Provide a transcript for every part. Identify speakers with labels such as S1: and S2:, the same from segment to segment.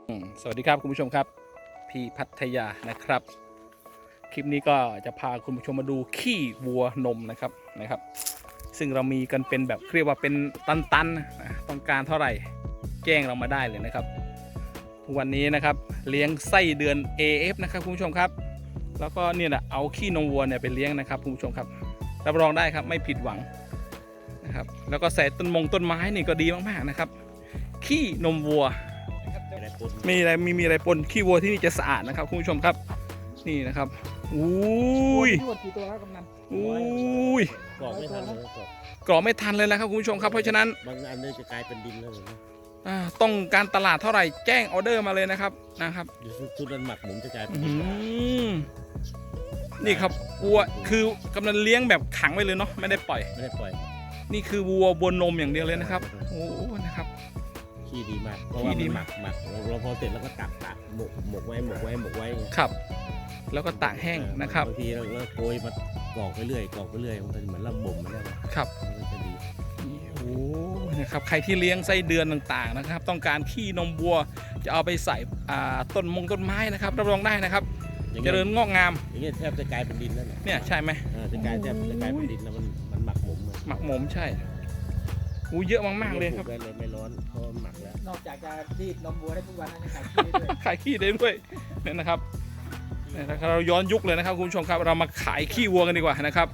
S1: สวัสดีครับคุณผู้ชมครับพี่พัทยานะครับคลิปนี้ก็จะพาคุณผู้ชมมาดูขี้วัวนมนะครับซึ่งเรามีกันเป็นแบบเรียกว่าเป็นตันๆนะต้องการเท่าไหร่แจ้งเรามาได้เลยนะครับวันนี้นะครับเลี้ยงไส้เดือน AF นะครับคุณผู้ชมครับแล้วก็เนี่ยนะเอาขี้นมวัวเนี่ยไปเลี้ยงนะครับคุณผู้ชมครับรับรองได้ครับไม่ผิดหวังนะครับแล้วก็ใส่ต้นไม้นี่ก็ดีมากๆนะครับขี้นมวัวมีอะไรปนขี้วัวที่นี่จะสะอาดนะครับคุณผู้ชมครับนี่นะครับอุ้ย
S2: ทั้งหมดกี่ตัวครับกำนัน
S1: อุ้ย
S3: กรอกไม่ทันเลยครับ
S1: กรอกไม่ทันเลยนะครับคุณผู้ชมครับเพราะฉะนั้น
S3: บางอันนี้จะกลายเป็นดินแล้วเห็นไหม
S1: ต้องการตลาดเท่าไหร่แจ้งออเดอร์มาเลยนะครับ
S3: เดี๋ยวชุดนั้นหมักหมุนจะกลายเป็น
S1: อื
S3: ดิน
S1: มนี่ครับวัวคือกำลังเลี้ยงแบบขังไว้เลยเนาะไม่ได้ปล่อย
S3: ไม่ได้ปล่อย
S1: นี่คือวัวบนนมอย่างเดียวเลยนะครับโอ้นะครับ
S3: ขี้ดีมากเพราะว่ามันหมักเราพอเสร็จแล้วก็ตักหมกไว้ไง
S1: ครับ แล้วก็ตากแห้งนะครับ
S3: บางทีเราโกยมากรอกไปเรื่อยมันเป็นเหมือนเราบ่มมันแล้ว
S1: ครับ
S3: มันก็จะดี
S1: โอ้นะครับใครที่เลี้ยงไส้เดือนต่างๆนะครับ ต้องการขี้นมวัวจะเอาไปใส่ต้นไม้นะครับรับรองได้นะครับเจริญงอกงาม
S3: อย่างเงี้ยแทบจะกลายเป็นดินแล้วเนี่ย
S1: เนี่ยใช่ไหม
S3: จะกลายเป็นดินแล้วมันหมักหมม
S1: หมักหมมใช่อู้เยอะมากๆเลยครับ
S3: ปกเลยไม่ร้อนเพราะมันหมักแล้ว
S2: นอกจากจะรีดนมวัวได้ทุกวันนะขายขี้ได้ด้วย
S1: ขายขี้ได้ด้วยเนี่ยนะครับเนี่ยนะครับเราย้อนยุคเลยนะครับคุณผู้ชมครับเรามาขายขี้วัวกันดีกว่านะครับ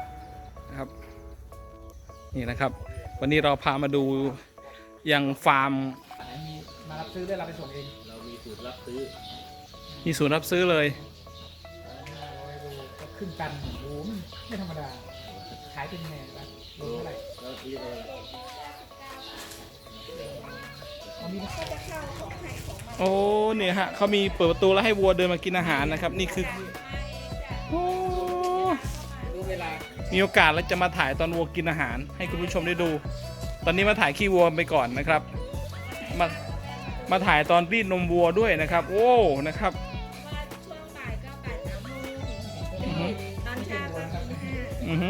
S1: นี่นะครับ วันนี้เราพามาดูยังฟาร์ม
S2: มีมารับซื้อได้เราไปส่งเอง
S3: เรามีสูตรรับซื้อ
S1: มีศูนย์รับซื้อเลย
S2: 500 โลก็ครึ่งตันโอ้โหไม่ธรรมดาขายเป็นไงนะโลเท่าไหร่
S3: แล้วซื้ออะไร
S2: เอามี
S1: โอ้เนี่ยฮะเขามีเปิดประตูแล้วให้วัวเดินมากินอาหารนะครับนี่คือโอ้
S2: รู้เวลา
S1: มีโอกาสแล้วจะมาถ่ายตอนวัวกินอาหาร ให้คุณผู้ชมได้ดู ตอนนี้มาถ่ายขี้วัวไปก่อนนะครับมาถ่ายตอนรีดนมวัวด้วยนะครับ โอ้นะครับ
S4: ช่วงบ่ายก็บ่าย3 โมงตอนเช้าก็ตี 5
S1: อือฮึ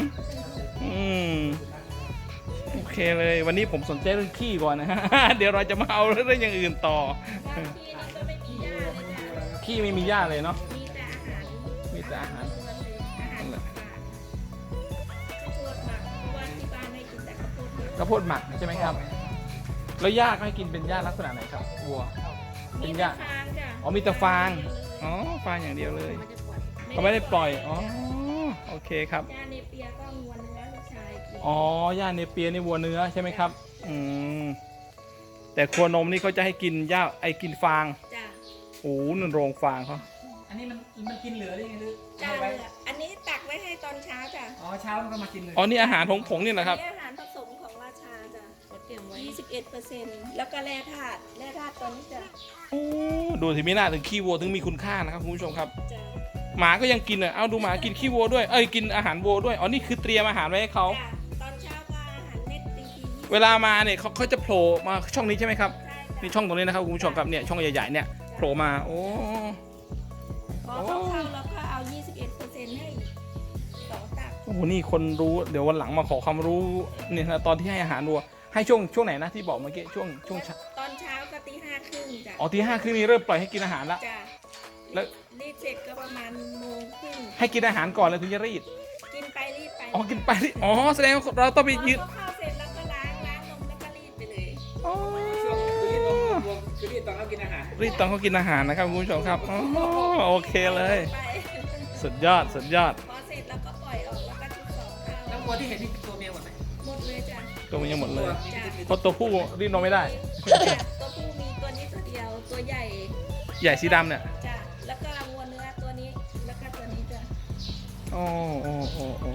S1: โอเคเลยวันนี้ผมสนใจเรื่องขี้ก่อนนะฮะ เดี๋ยวเราจะมาเอาเรื่องอย่างอื่นต่อ
S4: บางทีเราก็ไม่มีหญ้าเลยจ้ะ
S1: ขี้ไม่มีหญ้าเลยเนาะ
S4: มีแต่อาหาร
S1: มีแต่อาหาร
S4: ล้วนเลยอาหารข้าวโพดหมักเพราะว่าที่บ้านให้กินแต่ข้าวโพดเยอะ
S1: ข้าวโพดหมักใช่ไหมครับแล้วหญ้าก็ให้กินเป็นหญ้าลักษณะไหนครับวัว เป็
S4: มี
S1: นห
S4: แต่
S1: ญ้า
S4: ฟางจ้ะ
S1: อ๋อมีแต่ฟางอ๋อฟางอย่างเดียวเลย
S4: ไม่ได้ปล่อย
S1: เขาไม่ได้ปล่อยอ๋อโอเคครับ
S4: หญ้าเนเปียก็งวนเนื้อลูกชายกิน
S1: อ๋อหญ้าเนเปียนี่วัวเนื้อใช่ไหมครับอืมแต่ครัวนมนี่เขาจะให้กินหญ้ากินฟาง
S4: จ้ะ
S1: โอ้นั่นโรงฟางเขา
S2: อันนี้มันกินเหลือได้ไงหรือ
S4: จ้า
S2: เอาไว้
S4: เหลืออันนี้ตักไว้ให้ตอนเช้าจ้ะ
S2: อ๋อเช้ามันก็มากินเลย
S1: อ๋อนี่อาหารผงนี่แหละครับ
S4: นี่อาหารผสมของราชาจ้ะเก็บไว้21%แล้วก็แร่ธาตุตัวนี้จ้ะ
S1: โอ้ดูสิมีหน้าถึงขี้วัวถึงมีคุณค่านะครับคุณผู้ชมครับ
S4: จ้ะ
S1: หมาก็ยังกินอ่ะเอาดูหมากินขี้วัวด้วยกินอาหารวัวด้วยอ๋อนี่คือเตรียมอาหารไว้ให้เขา
S4: จ้ะตอนเช้าก็อาหารเม็ดตีที
S1: เวลามาเนี่ยเขาจะโผล่มาช่องนี้ใช่ไหมครับ
S4: ใช่
S1: นี่
S4: จ้ะ
S1: ช่องตรงนี้นะครับคุณผู้ชมครับเนี่ยช่องใหญ่ๆเนี่ยโผล่มาโอ้
S4: พอเขาเข้าแล้วก็เอา 21%ให้2 ตัก
S1: โหนี่คนรู้เดี๋ยววันหลังมาขอความรู้เนี่ยนะตอนที่ให้อาหารวัวให้ช่วงไหนนะที่บอกเมื่อกี้ช่วงเช้า
S4: ตอนเช้าก็ตี 5 ครึ่งจ้ะ
S1: อ๋อตี 5 คือนี่เริ่มปล่อยให้กินอาหารละ
S4: จ้ะ
S1: แล้ว
S4: รีดเสร็จก็ประมาณ1 โมงครึ่ง
S1: ให้กินอาหารก่อนแล้วถึงจะรีด
S4: กินไปรีดไป
S1: อ๋อกินไปรีดอ๋อแสดงว่าเราต้องไป
S4: พอ
S1: ยืด
S4: เขาเข้าเสร็จแล้วก็ล้างนมแล้วก็รีดไปเลย
S1: อ๋อ
S2: ช่วงคือรีดนมวัวคือรีดตอนเขากินอาหาร
S1: รีดตอนเขากินอาหารนะครับคุณผู้ชมครับอ๋อโอเคเลย
S4: ไป
S1: สุดยอด
S4: พอเสร็จแล้วก็ปล่อยออกแล้วก็ชุบ2
S2: แล้ว
S4: เข้า
S2: วัวที่เห็นนี่ตัวเมียหมดไหม
S4: หมดเลยจ้ะ
S1: ตัวมันยังหมดเลย
S4: จ้ะ
S1: เพราะตัวผู้รีดนมไม่ได้
S4: ตัวผู้มีตัวนี้ตัวเดียวตัวใหญ่
S1: ใหญ่สีดำเนี่ย
S4: จ้ะแล้วก็วัวเนื้อตัวนี้แล้วก็ตัวนี้จ้ะ
S1: โอ้โอ้โอ้โอ้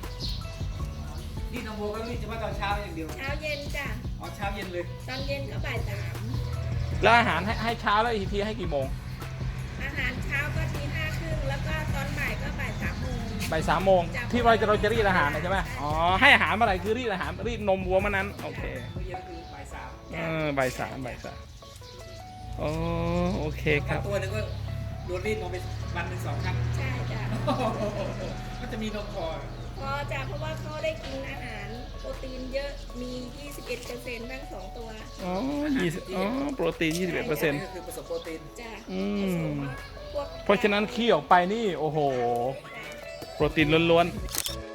S2: รีดนมวัวก็รีดเฉพาะตอนเช้าอย่างเดียว
S4: เช้าเย็นจ้ะ
S2: อ๋อเช้าเย็นเลย
S4: ตอนเย็นก็บ่าย
S1: แล้วอาหารให้เช้าแล้วอีกทีให้กี่โมง
S4: 3อาหารเช้าก็ตี 5 ครึ่งแล้วก็ตอนบ่ายก็บ่าย3 โมง
S1: บ่าย3 โมงที่เราจะรีดอาหารนะใช่ไหมอ๋อให้อาหารเมื่อไหร่คือรีดอาหารรีดนมวัวเมื่อนั้นโอเค
S2: มื้อเย็นคือบ่าย 3
S1: บ่ายสามโอ้โอเคครับ
S2: ตัวหนึงก็โดนรีดนมไปวันหนึ่ง2 ครั้ง
S4: ใช่จ้ะ
S2: ก็จะมีนมพอ
S4: พอจ้ะเพราะว่าเขาได้กินอาหาร
S3: ป
S4: รตีนเยอะมี 21%ทั้ง2 ตัว
S1: อ๋อโปรตีน 21%
S2: นี่ก็คือผสมโปรตีน
S4: จ้ะ
S1: อืม
S4: ผสมพวก
S1: เพราะฉะนั้นขี้ออกไปนี่ โอ้โห โปรตีนล้วนๆ